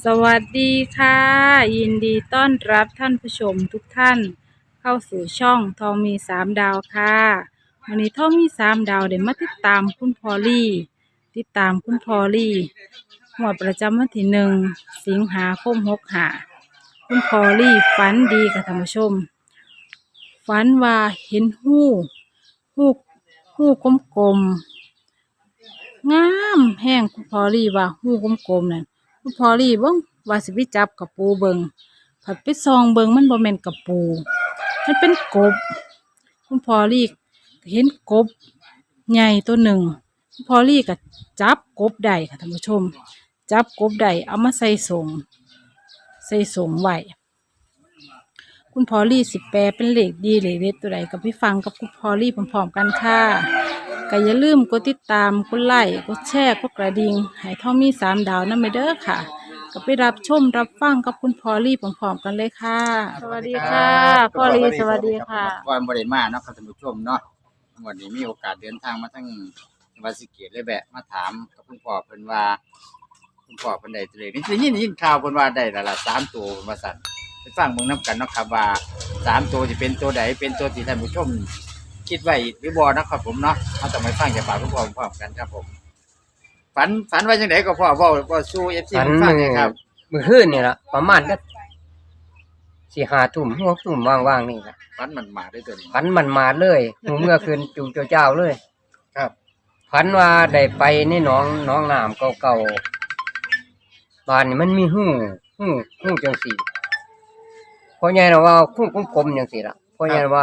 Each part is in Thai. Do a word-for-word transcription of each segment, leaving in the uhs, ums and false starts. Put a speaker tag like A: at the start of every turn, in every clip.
A: สวัสดีค่ะยินดีต้อนรับท่านผู้ชมทุกท่านเข้าสู่ช่องทองมีสามดาวค่ะวันนี้ทองมีสามดาวเดี๋ยวมาติดตามคุณพอลลี่ติดตามคุณพอลลี่หมวดประจำวันที่หนึ่งสิงหาคมหกหาคุณพอลลี่ฝันดีค่ะท่านผู้ชมฝันว่าเห็นหู้หู้หู้กลมๆงามแห้งคุณพอลลี่ว่าหู้กลมๆนั่นคุณพอลลี่เบิ่งว่าสิไปจับกับปูเบิงผัดไปซองเบิงมันบ่แม่นกับปูมันเป็นกบคุณพอลลี่เห็นกบใหญ่ตัวหนึ่งคุณพอลลี่ก็จับกบได้ค่ะท่านผู้ชมจับกบได้เอามาใส่สงใส่สงไว้คุณพอลลี่สิแปลเป็นเลขดีเลขเด็ดตัวใดกับพี่ฟังกับคุณพอลลี่พร้อมๆกันค่ะก็อย่าลืมกดติดตามกดไลค์กดแชร์กดกระดิ่งให้ทองมีสามดาวนั่นไปเด้อค่ะก็ไปรับชมรับฟังกับคุณพอลลี่พร้อมๆกันเลยค่ะสวัสดีค่ะพอลลี่สวัสดีค่ะ
B: ก่อนบริมาเนาะครับท่านผู้ชมเนาะวันนี้มีโอกาสเดินทางมาทั้งจังหวัดศรีสะเกษเลยแบะมาถามกับคุณพ่อเพิ่นว่าคุณพ่อเพิ่นได้ตัวเลขนี่ได้ยินได้ยินข่าวเพิ่นว่าได้และละสามตัวเพิ่นว่าสั่นไปฟังเบิ่งนํกันเนาะครับว่าสามตัวสิเป็นตัวใดเป็นตัวที่ท่านผู้ชมคิดไว้หรือบ่นะครับผมเนาะเฮาต้องไปฟังจากปากคุณพ่อพร้อมกันครับผมฝันฝันว่าจังไดก็พ่อเว้าเว้าสู่ เอฟ ซี
C: ฝัน
B: เพิ่นฟังหน่อยครับ
C: มื้อคืนนี่ล่ะประมาณสักสี่ห้าทุ่มหกทุ่มว่างๆนี่ล่ะ
B: ฝันมันมาด้วยตัวนี้
C: ฝันมันมาเลยหูเมื่อคืนจูเจ้าๆเลย
B: ครับ
C: ฝันว่าได้ไปในหนองหนองน้ำเก่าๆบ้านนี่มันมีหู้หู้หู้จังซี่พ่อใหญ่น่ะว่าหู้กลมๆจังซี่ล่ะพ่อใหญ่ว่า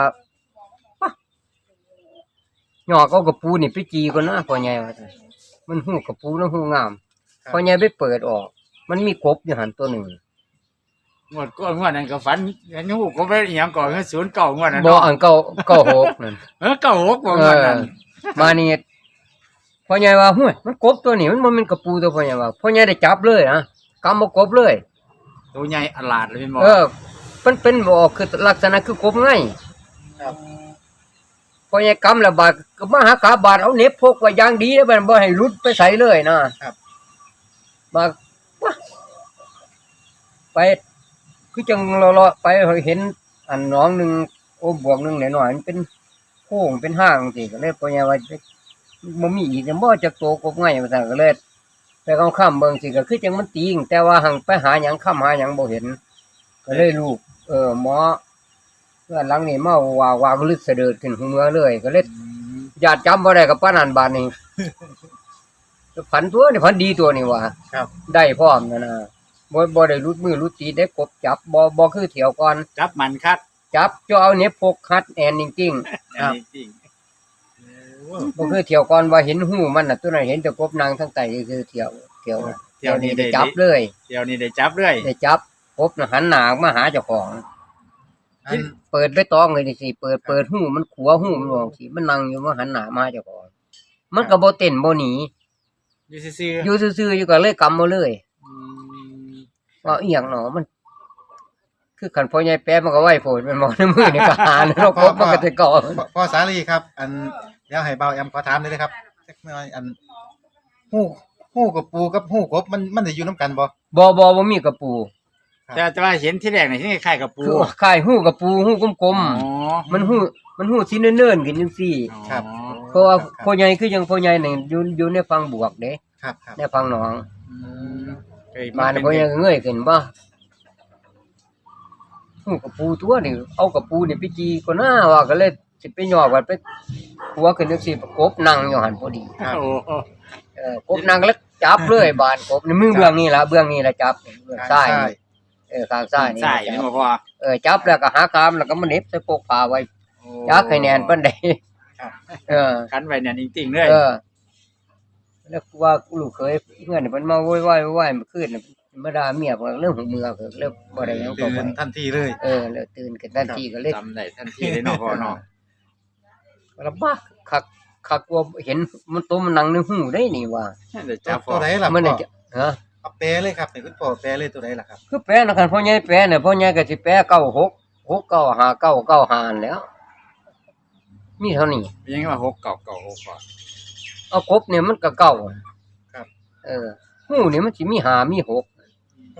C: หยอกเอากระปูนี่ไปจีก่อนนะพ่อใหญ่ว่าซั่นมันหู้กระปูแล้วหู้งามพ่อใหญ่ไปเปิดออก มันมีกบอยู่หันตัวหนึ่ง
B: งวดก่อนงวดนั้นก็ฝันเห็นหูก็ไปอีหยังก่อนคือศูนย์เก้างวดนั้น
C: บ่
B: เนาะ
C: อันเก่าเก่าหกนั่น
B: เออเก้าหกบ่ง
C: เอ
B: วด
C: อ
B: นั้น
C: มานี่พ่อใหญ่ว่าห้วยมันกบตัวนี้มันบ่แม่นกระปูตัวพ่อใหญ่ว่าพ่อใหญ่ได้จับเลยนะกำบ่กบเลย
B: ตัวใหญ่อลาดเลยเป็นบ่
C: เออมันเป็นบ่คือลักษณะคือกบไง
B: ครับ
C: พ่อใหญ่กำแล้วบาดก็มาหากาบาดเอาเหน็บพกไว้อย่างดีแล้วมันบ่ให้หลุดไปใส่เลยนะครับบาดวะไปคือจังเลาะๆไปเห็นอันหนองหนึงโอ้บวกหนึงหน่อยๆมันเป็นโค้งเป็นห้างจังซี่ก็เลยพ่อใหญ่ว่าบ่มีอีกจะบ่จักโตกบไงว่าซั่นก็เลยไปเอาค้ำเบิ่งสิก็คือจังมันติงแต่ว่าหังไปหาหยังค้ำหาหยังบ่เห็นก็เลยลูกเออหมอเพื่อนหลังนี่มาว่าว่าก็ลึกเสด็จขึ้นหูเมือเลยก็เลยญาติจำบ่ได้กับปานนั้นบาดนี้ฝันตัวนี่ฝันดีตัวนี่ว่า
B: ครับ
C: ได้พร้อมนั่นน่ะบ่บ่ได้รุดมือรุดตีนได้กบจับบ่บ่คือเที่ยวก่อน
B: จับมันคัด
C: จับจ่อเอาเหน็บพกคัดแอนจริง
B: อันนี้จริง
C: ๆบ่คือเที่ยวก่อนว่าเห็นหูมันน่ะตัวนั้นเห็นแต่กบนางทั้งใต้คือเที่ยวเที่ยว
B: เที่ยวนี้ได้
C: จับเลย
B: เที่ยวนี้ได้จับเรื่อย
C: ได้จับกบน่ะหันหน้ามาหาเจ้าของ
B: อัน
C: เปิดไปตองเลยนี่สิเปิดเปิดหูมันขัวหูมันมองสิมันนั่งอยู่มาหันหน้ามาหาเจ้าของมันก็บ่เต้นบ่หนี
B: อยู่ซื่อ
C: อยู่ซื่อๆอยู่ก็เลยกำมาเลย
B: ๆอืม
C: ว่าอีหยังหนอมัน คือคันพ่อใหญ่แป๊ะมันก็ไหวโพดมันมองในมือนี่ก็หาแล้วกบมันก็จะเกาะ
D: พ่อพ่อสาลีครับ อันเดี๋ยวให้เบาแอมขอถามเลยนะครับสักหน่อยอันหู้หู้กับปูกับหู้กบมันมันจะอยู่น้ำกันบ่
C: บ่บ่บ่มีกระปู
B: แต่แต่ว่าเห็นที่แรกนี่ที่คล้ายๆกับปู
C: คือคล้ายหูกระปูหูกลม
B: อ๋อ
C: ๆมันหูมันหูสิเนิ่นๆขึ้นจังซี่
D: ครับ
C: เพราะว่าพ่อใหญ่คือจังพ่อใหญ่นี่อยู่อยู่ในฝั่งบวกเด้
D: ครับครับ
C: ในฝั่งหนอง
B: อืมเคย
C: บ้าน
B: เป็น
C: พ่อใหญ่ก็เงยขึ้นบ่หูกระปูตัวนี่เอากระปูนี่ไปจีก็น่าว่าก็เลยสิไปย่อว่าไปหัวขึ้นจังซี่ประกบนั่งอยู่หั่นพอดี
B: โอ้โห
C: เออกบนั่งแล้วจับเลยบานกบในมือเบื้องนี่ล่ะเบื้องนี่ล่ะจับเบื้องซ้ายนี่เออข้างซ้ายนี่
B: ใช่
C: จั
B: นี่
C: บ
B: บ่พอ
C: เออจับแล้วก็หากามแล้วก็มาเหน็บใส่ปกผ้าไว้จักให้แน่นปานใด
D: ครับ
C: เออ
B: คันไว้เนี่ยจริงๆเลย
C: เออแล้วว่าลูกเคยเพื่อนมันมาโวยวายโวยวายเมื่อคืนน่ะมาด่าเมียว่าเรื่องของเมืองเพิ่นเรื่องบ่ได้หยังก็
D: ตื่
C: บ่
D: นทันทีเลย
C: เออแล้วตื่นขึ้นทันทีก็เลย
B: จำได้ทันทีเลยเนาะพ่อเนาะ
C: ลำบากคักคักว่าเห็นมันตัวมันนั่งในหูได้นี่ว่า
B: เดี๋ยว
D: ตั
B: จับ
D: ว
B: พ่อ
D: ตัวไหนล่ะ
C: มัน
D: พ่
C: น่ะ
D: อ
C: จะฮะ
D: เอาแปลเลยครับให้คุณพ่อแปลเลยตัวไหนล่ะครับ
C: คือแปลนะคันพ่อใหญ่แปลเนี่ยพ่อใหญ่ก็สิแปลเก้าหก หกเก้าห้าเก้าเก้าห้านั่นแหล้ว มีเท่านี้
B: ยังไงว่าหกเก่าเก่าหกก่อน
C: เอากบเนี่ยมันก็เก้า
D: ครับ
C: เออหูนี่มันสิมีห้ามีหก
D: หู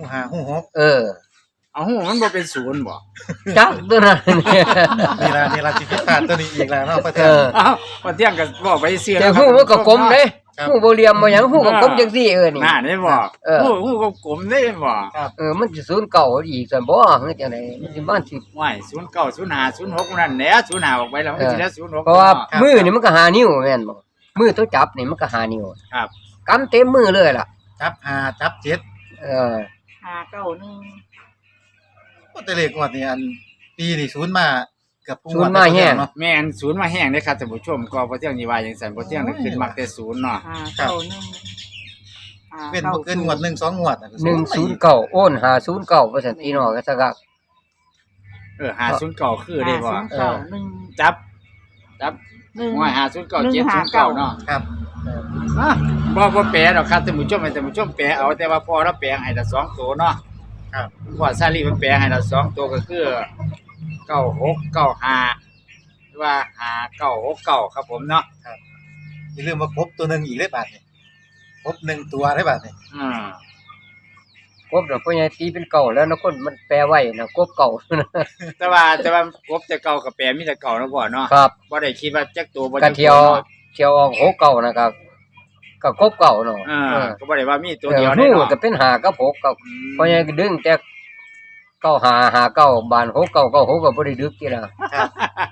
D: หูหาหูหก
C: เออ
B: เอาหูมันบ่เป็นศูนย์บ่
C: จักตัวนั้นเนี่ย
D: นี่ล่ะนี่ล่ะสิผิดพลาดตัวนี้อีกแล้วเนาะพ่อ
C: เอ
D: เทือง
C: อ
B: เอ้าพอเที่ยงก็บอกไปเสีย
C: แต่
B: แล้ว
C: หูมันก็กลมเด้
D: ครับ
C: หูบ่เหลี่ยมบ่หยังหูก็กลมจังซี่เออนี่
B: น่าได้บ่
C: เออ
B: หูหูก็กลมได้บ่
C: เออมันสิศูนย์เก่าอีกซั่นบ่คือจังได๋มันสิบ้านสิ
B: ว้ายศูนย์เก้า ศูนย์ห้า ศูนย์หกนั่นแหละศูนย์ห้าออกไปแล้วมันก็สิได้ศูนย์หก
C: เพราะว่ามือนี่มันก็หานิ้วแม่นบ่มือตัวจับนี่มันก็หานิ้ว
B: ครับ
C: กำเต็มมือเลยล่ะ
D: จับหาจับเจ็ด
C: เออ
A: หาเก้าหนึ่ง
D: ก็แต่เลขงวดนี่อันปีนี่ศูนย์มาเกือบทุกง
C: ศู
D: วน ด
C: ย์มาแห้ง
D: เนาะ
B: แม่นศูนย์มาแห้งเด้อครับท่านผู้ชมก็พอเที่ยงนี่ว่าจังซั่นพอเที่ยงนี่ขึ้นมักแต่ศูนย์เนาะ
A: หาเก้าหนึ่งหา
D: เป็นบ่เกินงวดหนึ่งสองงวดน่ะก็
C: หนึ่งศูนย์เก้าโอนหาศูนย์เก้าว่าซั่นพี่น้องก็ซะก็
B: เออห้าศูนย์เก้าคือได้บ่
A: หาศูนย์เก้าหนึ่ง
B: จับ จับ
A: หนึ่ง
B: ห้อยห้าศูนย์เก้า
A: หนึ่
B: เจ็ด
A: ง
B: ศู
A: ห้าน
B: ย์
A: เก้า
B: เก้าเนาะ
D: ครับ
B: อ่ะบ่บ่แปลดอกครับท่านผู้ชมให้ท่านผู้ชมแปลเอาแต่ว่าพอเราแปลให้ละสองตัวเนาะ
D: ครับ
B: พอซาลีมันแปลให้ละสองตัวก็คือเก้าหก เก้าห้าหรือว่าห้าเก้าหกเก้าครับผมเนาะ
D: อย่าลืมว่าครบตัวหนึงอีกได้บาดนี่ครบหนึ่งตัวได้บาดนี่
B: อืม
C: กบน่ะพ่อใหญ่ตีเป็นเก่าแล้วนะคนมันแปลไว้นะกบเก่า
B: แต่ว่าแต่ว่ากบแต่เก่ากับแปลมีแต่เก่าเนาะพ่อเนาะ
C: ครับ
B: บ่ได้คิดว่าจักตัวบ่
C: ก
B: จั
C: ระ
B: ก
C: เที
B: ตั
C: ยว ว
B: เนาะ
C: เทียวออกหกเก่านะครับก็กบเก่าเนาะ
B: อ่า
C: เออ
B: ก็บ่ได้ว่ามีตัว
C: เออ
B: เดียว
C: หู
B: แน่เนาะ
C: ก็เป็นหากับหกกับ
B: อืม
C: พ่อใหญ่ก็ดึงแต่เก้าหาหาเก้าบานหกเก้าเก้าหกก็บ่ได้ดึกทีละ
D: ครับ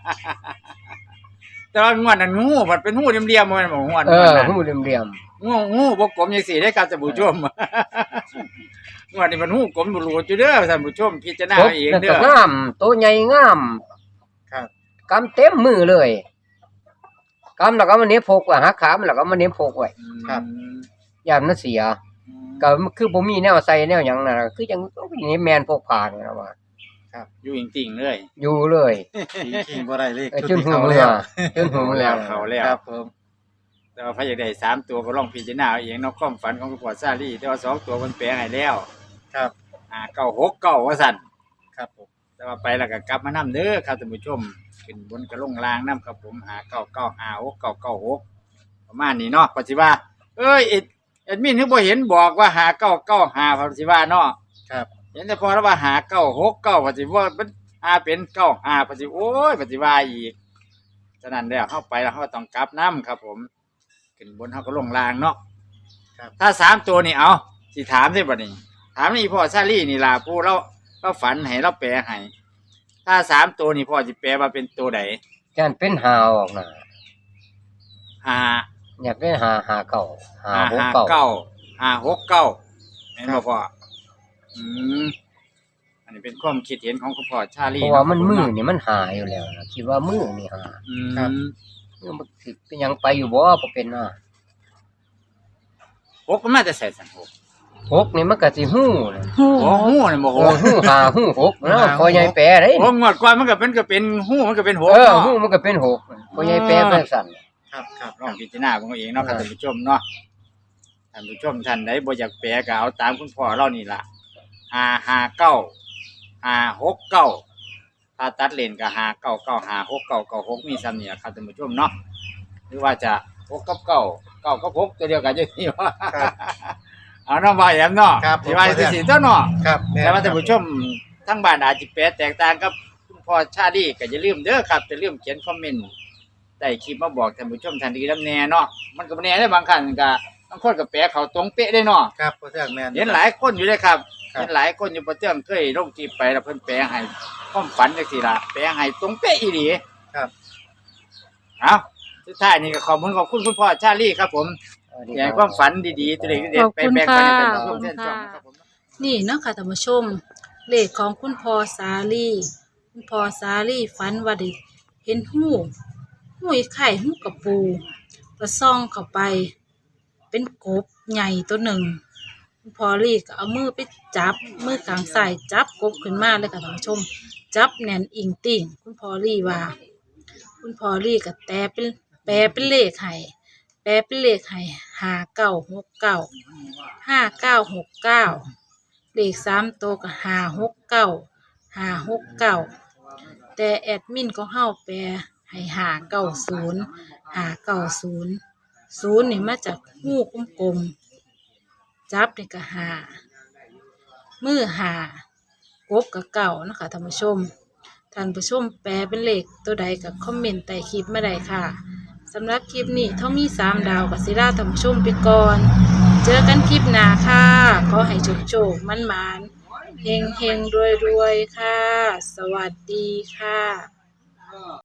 B: แต่ว่างวดนั้นงูมันเป็นงูเหลี่ยมๆบ่แม่นบ่งวด
C: เออ
B: นั้น
C: หูเหลี่ยม
B: งูงูบ่กลมจังซี่ได้ครับท่านผู้ชม งวดนี้มันงูกลมบ่รู้อยู่เด้อท่านผู้ชมพิจารณา
C: ๆกบ
B: เอาเอง
C: นั่น
B: เด้
C: ก็
B: อง
C: ามตัวใหญ่งาม
D: ครับ
C: กำเต็มมือเลยกำแล้วก็มาเน็บพกไว้หักขามันแล้วก็มาเน็บพกไว้
D: ครับ
C: ยามมันเสียก็คือบ่มีแนวใส่แนวหยังน่ะคือจังนี่แม่นพกผ่านี่ล่ะว่า
B: อยู่จริงๆเลย
C: อยู่เลย
D: ขี่ขี่บ่ได้เลข
C: เออ
D: ชุด
C: จน
D: ที่
C: หู
D: เขา
C: เมื
D: แล้
C: อ
D: ว
C: จนหูเมือ
B: แล้วเขาแล้ว
D: ครับผม
B: แต่ว่าพระอยากได้สามตัวก็ลองพิจารณาเอาเองเนาะความฝันของคุณพ่อซาลีแต่ว่าสองตัวมันแปลให้แล้ว
D: ครับ
B: อ่าเก้าหกเก้าว่าซั่น
D: ครับผม
B: แต่ว่าไปแล้วก็กลับมานํเด้อครับท่านผู้ชมขึ้นบนกระลงล่างนํครับผมหาเก้าเก้าห้าหกเก้าเก้าหกประมาณนี้เนาะปัจจุบันเอ้ยเอ็ดแอดมินคือบ่เห็นบอกว่าหาเก้าเก้าห้าปัจจุบันเนาะ
D: ครับ
B: เห็นแต่พอแล้วว่าหาเก้าหกเก้าปัจจุบันมันหาเป็นเก้าห้าปัจจุบันโอ้ยปัจจุบันอีกฉะนั้นแล้วเข้าไปแล้วเขาต้องกลับน้ำครับผมขึ้นบนเขาก็ลงล่างเนาะ
D: ครับ
B: ถ้าสามตัวนี่เอาสิถามได้บ่นี่ถามนี่พ่อซาลี่นี่ล่ะผู้เราเราฝันให้เราแปลให้ถ้าสามตัวนี่พ่อสิแปลว่าเป็นตัวใด
C: จันเป็นหาออกน่ะ
B: ห้า
C: อยากเป็นหาหาเก่าหา
B: ห้า
C: หก
B: ห้า
C: เก่า
B: เก้าห้าหกเก้าเห็นบ่พ่ออืมอันนี้เป็นความคิดเห็นของคุณพ่อชาลี
C: เพราะว่ามันมือ
B: เนาะ
C: นี่มันหาอยู่แล้วนะคิดว่ามือนี่หา
B: อืม
C: มันสิเป็นหยังไปอยู่บ่บ่เป็นน่ะ
B: หกมันมาแต่ใส่สันหก
C: หกนี่มันก็สิฮู้นะ
A: หู
B: โอ้หูนี่บ่
C: โอ้
B: โห
C: ฮู้หาฮู้หกเนาะพอใหญ่แปลได้
B: โอ้งวดก่อนมันก็เป็นก็เป็นหูมันก็เป็นหก
C: เออ
B: เนาะ
C: ฮู้มันก็เป็นหกพอใหญ่แปลไปสั่น
D: ครับครับ
B: ลองพิจารณาของตัวเองเนาะครับท่านผู้ชมเนาะท่านผู้ชมท่านใดบ่อยากแปลก็เอาตามคุณพ่อเรานี่ล่ะห้าห้าเก้าห้าหกเก้าถ้าตัดเลนก็ห้าเก้าเก้าห้าหกเก้าเก้าหกมีซ้ำนี่ล่ะครับท่านผู้ชมเนาะหรือว่าจะหกกับเก้าเก้ากับหกตัวเดียวกันจังซี่ว่า
D: ครับ
B: เอาน้องบ่ายแอมเนาะ
D: ครับ
B: สิว่าสิสิเจ้าเนาะ
D: ครับแม่น
B: แต่ว่าท่านผู้ชมทั้งบ้านอาจจะแปลแตกต่างกับคุณพ่อชาดีก็อย่าลืมเด้อครับอย่าลืมเขียนคอมเมนต์ใต้คลิปมาบอกท่านผู้ชมทันทีนำแน่เนาะมันก็บ่แน่ได้บางครั้งก็บางคนก็แปลเขาตรงเป๊ะได้เนาะ
D: ครับพ่อเทืองแม่น
B: เห็นหลายคนอยู่เลยครับ
D: ครับ
B: เห็นหลายคนอยู่ประเทืองเคยลงคลิปไปแล้วเพิ่นแปลให้ความฝันจังซี่ล่ะแปลให้ตรงเป๊ะอีหลี
D: ครับ
B: เอาสุดท้ายนี่ก็ขอบคุณขอบคุณคุณพ่อชาลีครับผมอยากให้ความฝันดีๆตัวเล็กๆเด็ดๆไปแบ่งปันให้ท่านผู้ชมเช่นกันครับผม
A: นี่เนาะค่ะท่านผู้ชม เลขของคุณพ่อสาลีคุณพ่อสาลีฝันว่าได้เห็นหูหูอีไข่หูกระปูก็ซ่องเข้าไป เป็นกบใหญ่ตัวหนึ่งคุณพ่อลีก็เอามือไปจับมือกลางใส่จับกบขึ้นมาเลยค่ะท่านผู้ชม จับแน่นอิงติ่งคุณพ่อลีว่า คุณพ่อลีก็แปลเป็นแปลเป็นเลขให้แปลเป็นเลขให้ห้าเก้าหกเก้าห้าเก้าหกเก้าเลขสามตัวก็ห้าหกเก้าห้าหกเก้าแต่แอดมินของเฮาแปลให้ห้าเก้าศูนย์ห้าเก้าศูนย์ศูนย์นี่มาจากหูกลมๆจับนี่ก็ห้ามือหากบกับเก่านะคะท่านผู้ชมท่านผู้ชมแปลเป็นเลขตัวใดกับคอมเมนต์ใต้คลิปมาได้ค่ะสำหรับคลิปนี้ท่องมีสามดาวกับศิลาท่านผู้ชมไปก่อนเจอกันคลิปหน้าค่ะขอให้โชคโชคมันมันเฮงเฮงรวยรวยๆค่ะสวัสดีค่ะ